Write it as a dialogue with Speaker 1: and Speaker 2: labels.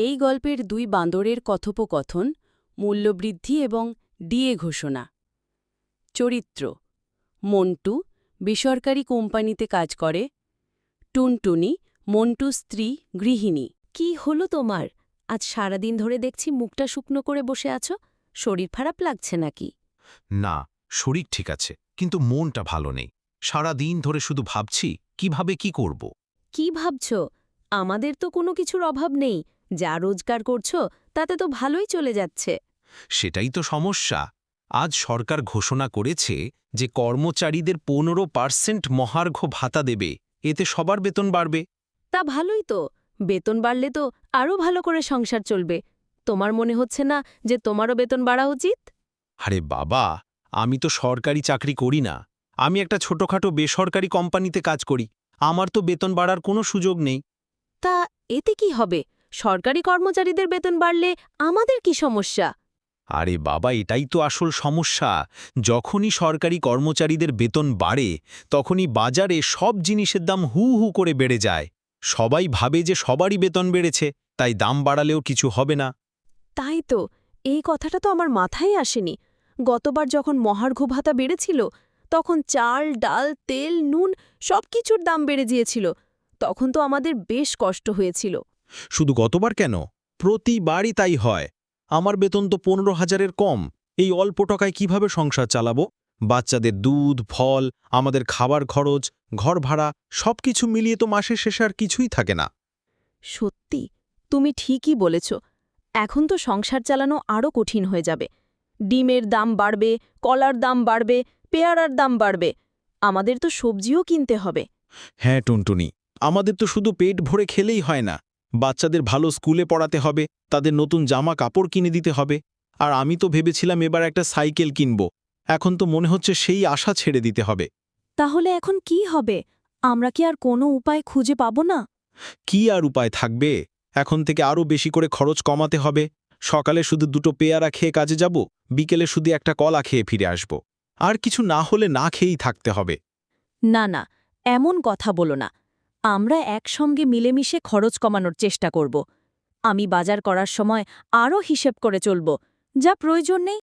Speaker 1: এই গল্পের দুই বাঁদরের কথোপকথন, মূল্যবৃদ্ধি এবং ডিএ ঘোষণা। চরিত্র: মন্টু বেসরকারি কোম্পানিতে কাজ করে, টুনটুনি মন্টু স্ত্রী, গৃহিণী।
Speaker 2: কি হলো তোমার? আজ সারাদিন ধরে দেখছি মুখটা শুকনো করে বসে আছো। শরীর খারাপ লাগছে নাকি?
Speaker 3: না, শরীর ঠিক আছে, কিন্তু মনটা ভালো নেই। সারা দিন ধরে শুধু ভাবছি কিভাবে কি করব।
Speaker 2: কি ভাবছো? আমাদের তো কোনো কিছুর অভাব নেই। যা রোজগার করছো তাতে তো ভালোই চলে যাচ্ছে।
Speaker 3: সেটাই তো সমস্যা। আজ সরকার ঘোষণা করেছে যে কর্মচারীদের 15% মহার্ঘ ভাতা দেবে, এতে সবার বেতন বাড়বে।
Speaker 2: তা ভালোই তো। বেতন বাড়লে তো আরও ভালো করে সংসার চলবে। তোমার মনে হচ্ছে না যে তোমারও বেতন বাড়া উচিত?
Speaker 3: আরে বাবা, আমি তো সরকারি চাকরি করি না। আমি একটা ছোটখাটো বেসরকারি কোম্পানিতে কাজ করি। আমার তো বেতন বাড়ার কোনো সুযোগ নেই।
Speaker 2: তা এতে কি হবে? সরকারি কর্মচারীদের বেতন বাড়লে আমাদের কি সমস্যা?
Speaker 3: আরে বাবা, এটাই তো আসল সমস্যা। যখনই সরকারি কর্মচারীদের বেতন বাড়ে, তখনই বাজারে সব জিনিসের দাম হু হু করে বেড়ে যায়। সবাই ভাবে যে সবারই বেতন বেড়েছে, তাই দাম বাড়ালেও কিছু হবে না।
Speaker 2: তাই তো, এই কথাটা তো আমার মাথায় আসেনি। গতবার যখন মহার্ঘ ভাতা বেড়েছিল, তখন চাল, ডাল, তেল, নুন সবকিছুর দাম বেড়ে গিয়েছিল। তখন তো আমাদের বেশ কষ্ট হয়েছিল।
Speaker 3: শুধু গতবার কেন, প্রতিবারই তাই হয়। আমার বেতন তো 15,000-এর কম। এই অল্প টাকায় কিভাবে সংসার চালাবো? বাচ্চাদের দুধ, ফল, আমাদের খাবার খরচ, ঘর ভাড়া সবকিছু মিলিয়ে তো মাসের শেষে আর কিছুই থাকে না।
Speaker 2: সত্যি, তুমি ঠিকই বলেছ। এখন তো সংসার চালানো আরও কঠিন হয়ে যাবে। ডিমের দাম বাড়বে, কলার দাম বাড়বে, পেয়ারার দাম বাড়বে। আমাদের তো সবজিও কিনতে হবে।
Speaker 3: হ্যাঁ টুনটুনি, আমাদের তো শুধু পেট ভরে খেলেই হয় না। বাচ্চাদের ভালো স্কুলে পড়াতে হবে, তাদের নতুন জামা কাপড় কিনে দিতে হবে। আর আমি তো ভেবেছিলাম এবার একটা সাইকেল কিনব। এখন তো মনে হচ্ছে সেই আশা ছেড়ে দিতে হবে।
Speaker 2: তাহলে এখন কি হবে? আমরা কি আর কোনো উপায় খুঁজে পাব না?
Speaker 3: কি আর উপায় থাকবে? এখন থেকে আরও বেশি করে খরচ কমাতে হবে। সকালে শুধু 2টো পেয়ারা খেয়ে কাজে যাব, বিকেলে শুধু একটা কলা খেয়ে ফিরে আসব। আর কিছু না হলে না খেয়েই থাকতে হবে।
Speaker 2: না না, এমন কথা বলো না। আমরা একসঙ্গে মিলেমিশে খরচ কমানোর চেষ্টা করব। আমি বাজার করার সময় আরও হিসেব করে চলব। যা প্রয়োজন নেই